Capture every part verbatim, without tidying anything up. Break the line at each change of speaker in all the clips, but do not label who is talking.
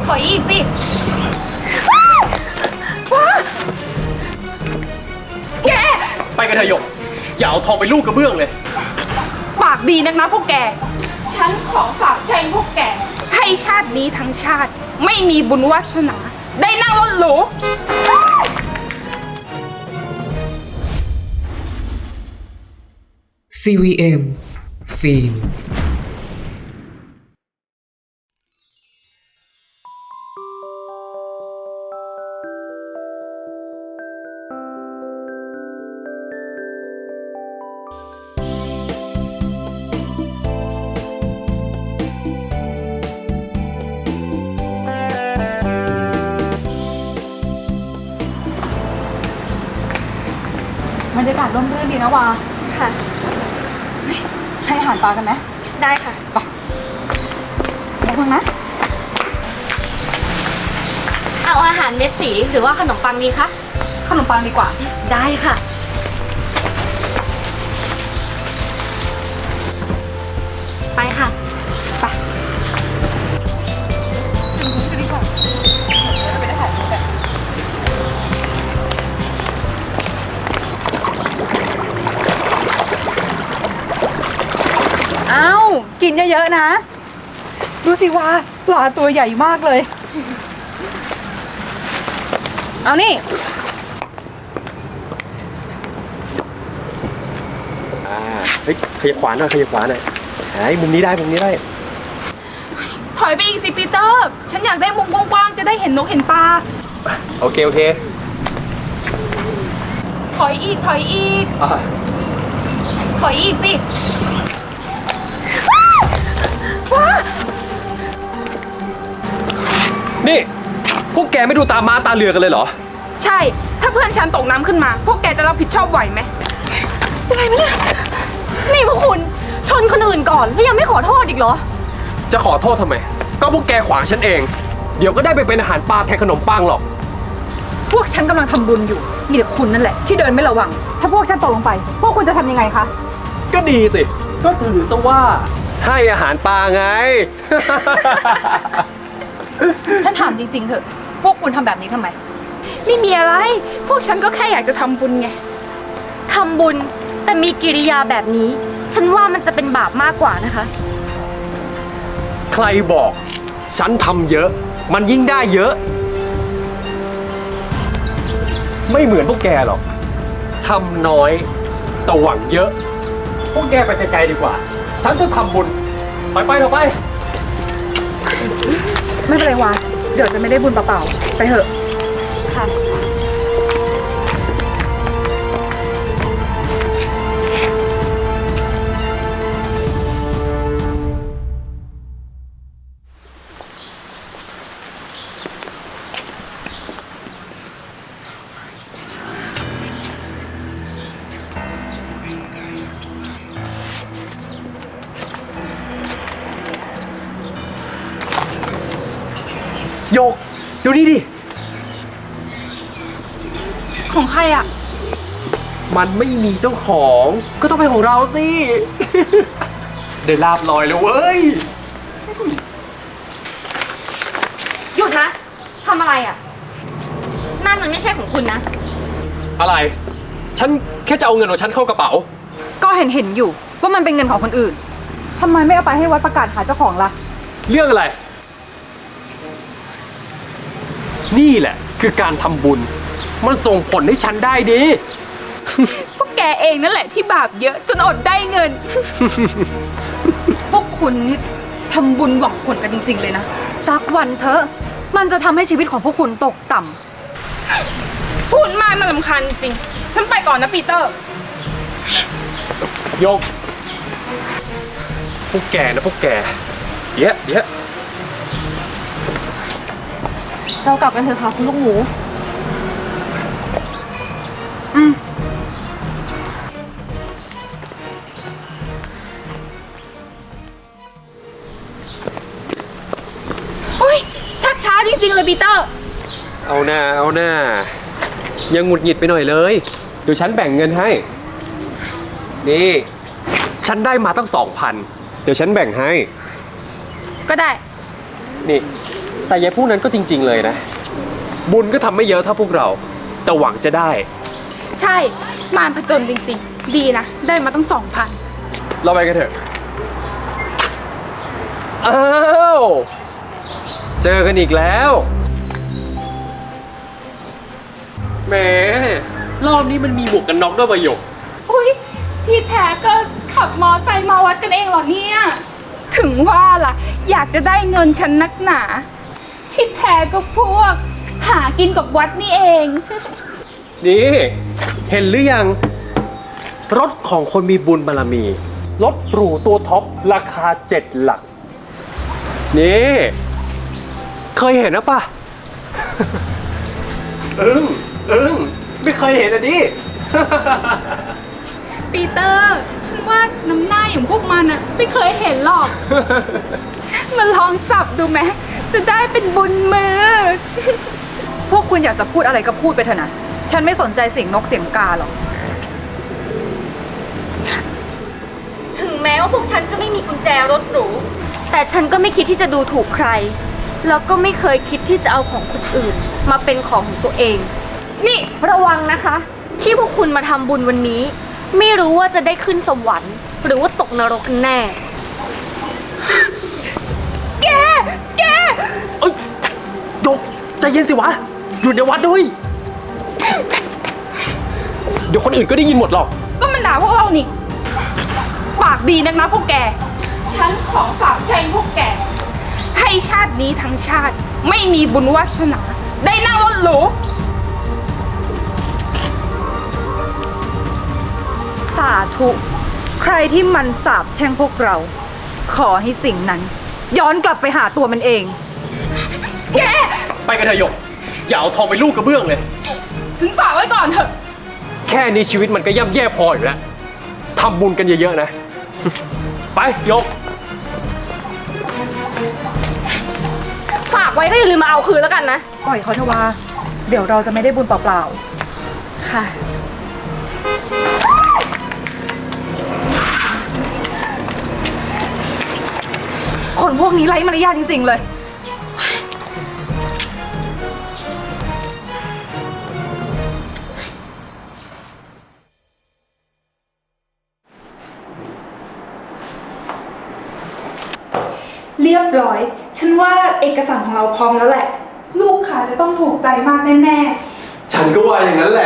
ถอยอีกสิแก
ไปกันเถอะหยกอย่าเอาทองไปลูกกระเบื้องเลย
ปากดีนักนะพวกแกฉันขอสาบแช่งพวกแกให้ชาตินี้ทั้งชาติไม่มีบุญวาสนาได้นั่งรถหรู
ซี วี เอ็ม ฟิล์ม
บรรยากาศร่มรื่นดีนะวาค่ะให้อาหารปลากันไหมได้ค่ะไปไปเพิ่งนะ
เอาอาหารเม็ดสีหรือว่าขนมปังดีคะ
ขนมปังดีกว่า
ได้ค่ะไปค่ะ
ไปดีกว่าไปได้ถ่ายรูปกันอ้าวกินเยอะๆนะดูสิว่าปลาตัวใหญ่มากเลยเอานี่
อ่าเฮ้ยขยับขวาหน่อยขยับขวาหน่อยหายมุมนี้ได้มุมนี้ได้
ถอยไปอีกสิปีเตอร์ฉันอยากได้มุมกว้างๆจะได้เห็นนกเห็นปลา
โอเคโอเค
ถอยอีกถอยอีกถอยอีกสิ
นี่พวกแกไม่ดูตาม้าตาเรือกันเลยเหรอ
ใช่ถ้าเพื่อนฉันตกน้ำขึ้นมาพวกแกจะรับผิดชอบไหวไหม
อะไรไหมเนี่ยนี่พวกคุณชนคนอื่นก่อนแล้วยังไม่ขอโทษอีกเหรอ
จะขอโทษทำไมก็พวกแกขวางฉันเองเดี๋ยวก็ได้ไปเป็นอาหารปลาแทนขนมปังหรอก
พวกฉันกำลังทำบุญอยู่มีแต่คุณนั่นแหละที่เดินไม่ระวังถ้าพวกฉันตกลงไปพวกคุณจะทำยังไงคะ
ก็ดีสิก็ถือซะว่าให้อาหารปลาไง
ฉันถามจริงๆเถอะพวกคุณทำแบบนี้ทำไม
ไม่มีอะไรพวกฉันก็แค่อยากจะทำบุญไง
ทำบุญแต่มีกิริยาแบบนี้ฉันว่ามันจะเป็นบาปมากกว่านะคะ
ใครบอกฉันทำเยอะมันยิ่งได้เยอะไม่เหมือนพวกแกหรอกทำน้อยแต่หวังเยอะพวกแกไปไกลๆดีกว่าฉันจะทำบุญไปไปเถอะไป
ไม่เป็นไรวะเดี๋ยวจะไม่ได้บุญเปล่าๆไปเถอะค่ะ
โยกดูนี่ดิ
ของใครอ่ะ
มันไม่มีเจ้าของก็ต้องเป็นของเราสิ ได้ลาบลอยเลยเว้ย
หยุดนะทำอะไรอ่ะนั่นมันไม่ใช่ของคุณนะ
อะไรฉันแค่จะเอาเงินของฉันเข้ากระเป๋า
ก็เห็นเห็นอยู่ว่ามันเป็นเงินของคนอื่นทำไมไม่เอาไปให้วัดประกาศหาเจ้าของล่ะ
เรื่องอะไรนี่แหละคือการทำบุญมันส่งผลให้ฉันได้ดี
พวกแกเองนั่นแหละที่บาปเยอะจนอดได้เงิน
พวกคุณนี่ทำบุญหวังผลกันจริงๆเลยนะสักวันเถอะมันจะทำให้ชีวิตของพวกคุณตกต่
ำพูดมากน่ารำคาญจริงฉันไปก่อนนะปีเตอร์
ยกพวกแกนะพวกแกเยอะเยอะ
เรากลับกันเถอะค่ะคุณลูกหมูอืม
อุ้ยชักช้าจริงๆเลยปีเตอร์
เอาหน้าเอาหน้ายังหงุดหงิดไปหน่อยเลยเดี๋ยวฉันแบ่งเงินให้นี่ฉันได้มาตั้งสองพันเดี๋ยวฉันแบ่งให้
ก็ได้
นี่แต่ยายพวกนั้นก็จริง ๆเลยนะ บุญก็ทำไม่เยอะเท่าพวกเรา แต่หวังจะได้
ใช่มารผจญจริงๆ ดีนะ ได้มาตั้งสองพัน
เราไปกันเถอะ อ้าว เจอกันอีกแล้วแหมรอบนี้มันมีหมวกกันน็อกด้วยประโยค
อุ้ยที่แท้ก็ขับมอไซค์มาวัดกันเองเหรอเนี่ย ถึงว่าล่ะ อยากจะได้เงินฉันนักหนา ที่แท้ก็พวก หากินกับวัดนี่เอง
นี่ เห็นหรือยัง รถของคนมีบุญบารมี รถหรูตัวท็อป ราคาเจ็ดหลัก นี่ เคยเห็นนะปะ อึ้งอึ้งไม่เคยเห็นอ่ะดิ
ปีเตอร์ ฉันว่าน้ำหน้าอย่างพวกมันอะไม่เคยเห็นหรอก มาลองจับดูไหมจะได้เป็นบุญมือ
พวกคุณอยากจะพูดอะไรก็พูดไปเถอะนะ ฉันไม่สนใจเสียงนกเสียงกาหรอก
ถึงแม้ว่าพวกฉันจะไม่มีกุญแจรถหรู แต่ฉันก็ไม่คิดที่จะดูถูกใคร แล้วก็ไม่เคยคิดที่จะเอาของคนอื่น มาเป็นของของตัวเอง นี่ระวังนะคะ ที่พวกคุณมาทำบุญวันนี้ ไม่รู้ว่าจะได้ขึ้นสวรรค์ หรือว่าตกนรกกันแน่
แก แก
เอ้ยดกใจเย็นสิวะ อยู่ในวัดด้วย เดี๋ยวคนอื่นก็ได้ยินหมดหรอก
ก็มันด่าพวกเรานี่ ปากดีนักนะพวกแก ฉันขอสาบแช่งพวกแก ให้ชาตินี้ทั้งชาติ ไม่มีบุญวาสนา ได้นั่งรถหรู
สาธุ ใครที่มันสาบแช่งพวกเรา ขอให้สิ่งนั้น ย้อนกลับไปหาตัวมันเอง
แก
ไปกันเถอะหยก อย่าเอาทองไปลูกกระเบื้องเลย
ถึงฝากไว้ก่อนเถอะ
แค่นี้ชีวิตมันก็ย่ำแย่พออยู่แล้วทำบุญกันเยอะๆนะ ไปหยก
ฝากไว้ก็อย่าลืมมาเอาคืนแล้วกันนะ
ปล่อยเขาเถอะว่า เดี๋ยวเราจะไม่ได้บุญเปล่า
ค่ะ
ๆ คนพวกนี้ไร้มารยาทจริงๆเลย
เรียบร้อย ฉันว่าเอกสารของเราพร้อมแล้วแหละ ลูกค้าจะต้องถูกใจมากแน่
ฉันก็ว่าอย่างนั้นแหละ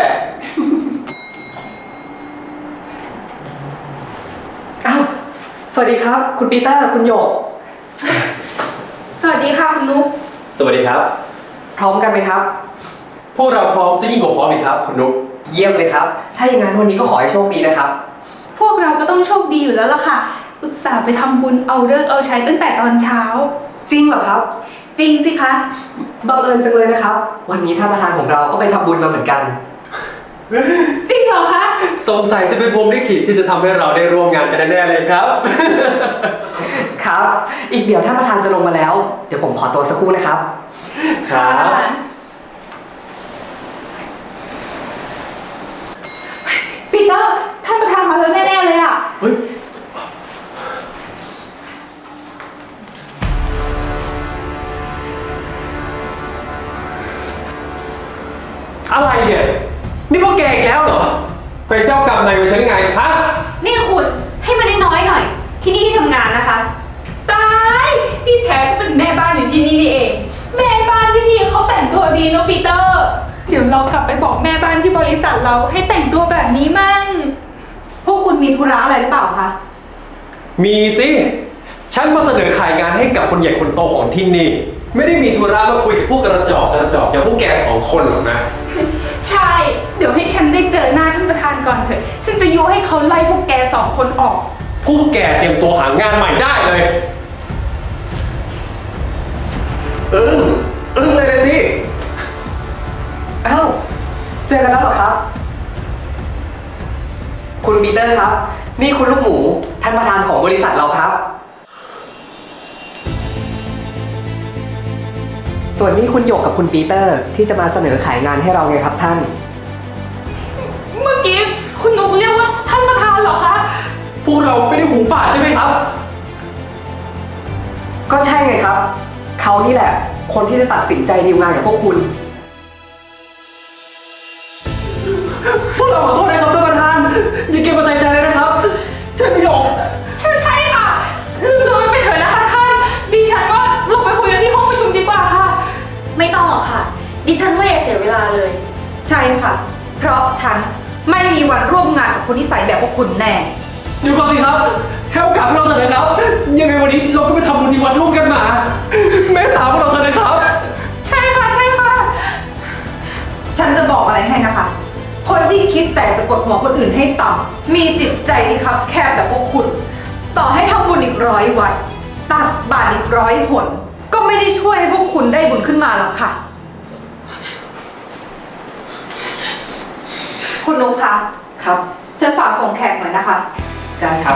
อ้าว สวัสดีครับ คุณปีเตอร์ คุณโยก
ๆ สวัสดีค่ะคุณนุ๊ก
สวัสดีครับ
พร้อมกันไหมครับ
พวกเราพร้อมซะยิ่งกว่าพร้อมเลยครับคุณนุ๊ก
เยี่ยมเลยครับ ถ้าอย่างนั้นวันนี้ก็ขอให้โชคดีนะครับ
พวกเราก็ต้องโชคดีอยู่แล้วล่ะค่ะ อุตส่าห์ไปทำบุญเอาเลิกษ์เอาใช้ตั้งแต่ตอนเช้า
จริงเหรอครับ
จริงสิคะ
บังเอิญจังเลยนะครับ วันนี้ท่านประธานของเราก็ไปทำบุญมาเหมือนกัน
จริงเหรอคะ
สงสัยจะเป็นพรหมลิขิตที่จะทำให้เราได้ร่วมงานกันแน่ๆเลยครับ
ครับ อีกเดี๋ยวท่านประธานจะลงมาแล้ว เดี๋ยวผมขอตัวสักครู่นะครับ
ครับ
ปีเตอร์ท่านประธานมาแล้วแน่ๆเลยอะ
เฮ้ย อะไรเนี่ย นี่พวกแกอีกแล้วเหรอ เป็นเจ้ากรรมนายเวรฉันไง ฮะ
นี่คุณให้มันน้อยๆหน่อย ที่นี่ที่ทำงานนะคะ
ตายที่แท้ก็เป็นแม่บ้านอยู่ที่นี่นี่เอง แม่บ้านที่นี่เขาแต่งตัวดีเนอะปีเตอร์ เดี๋ยวเรากลับไปบอกแม่บ้านที่บริษัทเราให้แต่งตัวแบบนี้มั่ง
พวกคุณมีธุระอะไรหรือเปล่าคะ
มีสิ ฉันมาเสนอขายงานให้กับคนใหญ่คนโตของที่นี่ ไม่ได้มีธุระมาคุยกับพวกกระจอกกระจอกอย่างพวกแกสองคนหรอกนะ
ใช่ เดี๋ยวให้ฉันได้เจอหน้าท่านประธานก่อนเถอะ ฉันจะยุให้เขาไล่พวกแกสองคนออก
พวกแกเตรียมตัวหางานใหม่ได้เลย อึ้งอึ้งเลยนะสิ
อ้าว เจอกันแล้วเหรอครับ คุณปีเตอร์ครับ นี่คุณลูกหมู ท่านประธานของบริษัทเราครับ ส่วนนี้คุณหยกกับคุณปีเตอร์ที่จะมาเสนอขายงานให้เราไงครับท่าน
เมื่อกี้คุณนุกเรียกว่าท่านประธานเหรอคะ
พวกเราไม่ได้หูฝาดใช่ไหมครับ
ก็ใช่ไงครับ เขานี่แหละคนที่จะตัดสินใจดีลงานกับพวกคุณ
พวกเราขอโทษนะครับท่านประธานอย่าเก็บมาใส่ใจเลยนะครับใช่ประโยค
ใช่ใช่ค่ะลืมเลยไปเถอะนะคะท่าน ดิฉันว่าเราไปคุยกันที่ห้องประชุมดีกว่าค่ะ
ไม่ต้องหรอกค่ะ ดิฉันว่าอย่าเสียเวลาเลย
ใช่ค่ะ เพราะฉันไม่มีวันร่วมงานกับคนนิสัยแบบพวกคุณแน่
เดี๋ยวก่อนสิครับให้โอกาสพวกเราเถอะนะครับ ยังไงวันนี้เราก็ไปทำบุญที่วัดร่วมกันมาเมตตาพวกเราเถอะนะครับ
ใช่ค่ะใช่ค่ะ
ฉันจะบอกอะไรให้นะคะ คนที่คิดแต่จะกดหัวคนอื่นให้ต่ำมีจิตใจที่คับแคบแบบพวกคุณ ต่อให้ทำบุญอีกร้อยวัดตักบาตรอีกร้อยหนก็ไม่ได้ช่วยให้พวกคุณได้บุญขึ้นมาหรอกค่ะ คุณนุ๊กคะ
ครับ
ฉันฝากส่งแขกหน่อยนะคะ
ได้ครับ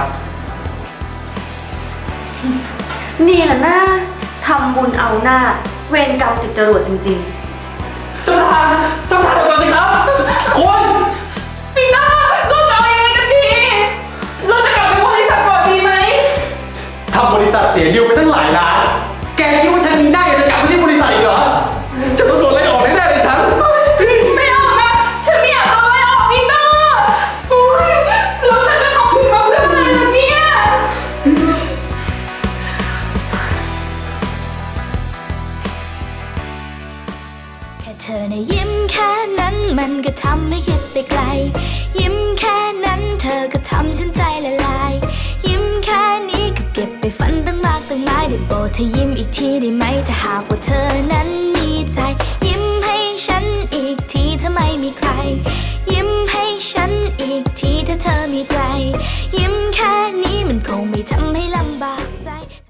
นี่แหละนะทำบุญเอาหน้า เวรกรรมติดจรวดจริงๆ
ท่านประธานท่านประธานเดี๋ยวก่อนสิครับคุณ
ปีหน้าเราจะเอายังไงกันดี เราจะกลับไปบริษัทก่อนดีไหม
ทำบริษัทเสียดิวไปตั้งหลายล้าน แกคิดว่าฉันมีหน้าอยากจะกลับไปที่บริษัทอีกเหรอฉันต้องโดนไล่ออกแน่ๆเลยฉัน
ไม่เอานะ ฉันไม่อยากโดนไล่ออกปีหน้าอุ๊ยแล้วฉันจะทำบุญมาเพื่ออะไรล่ะเนี่ย
แค่เธอในะยิ้มแค่นั้นมันก็ทำให้คิดไปไกล ยิ้มแค่นั้นเธอก็ทำฉันใจละลาย ยิ้มแค่นี้ก็เก็บไปฝันตั้งมากตั้งหลายได้โปรดเธอยิ้มอีกทีได้ไหมถ้าหากว่าเธอนั้นมีใจ ยิ้มให้ฉันอีกทีถ้าไม่มีใคร ยิ้มให้ฉันอีกทีถ้าเธอมีใจ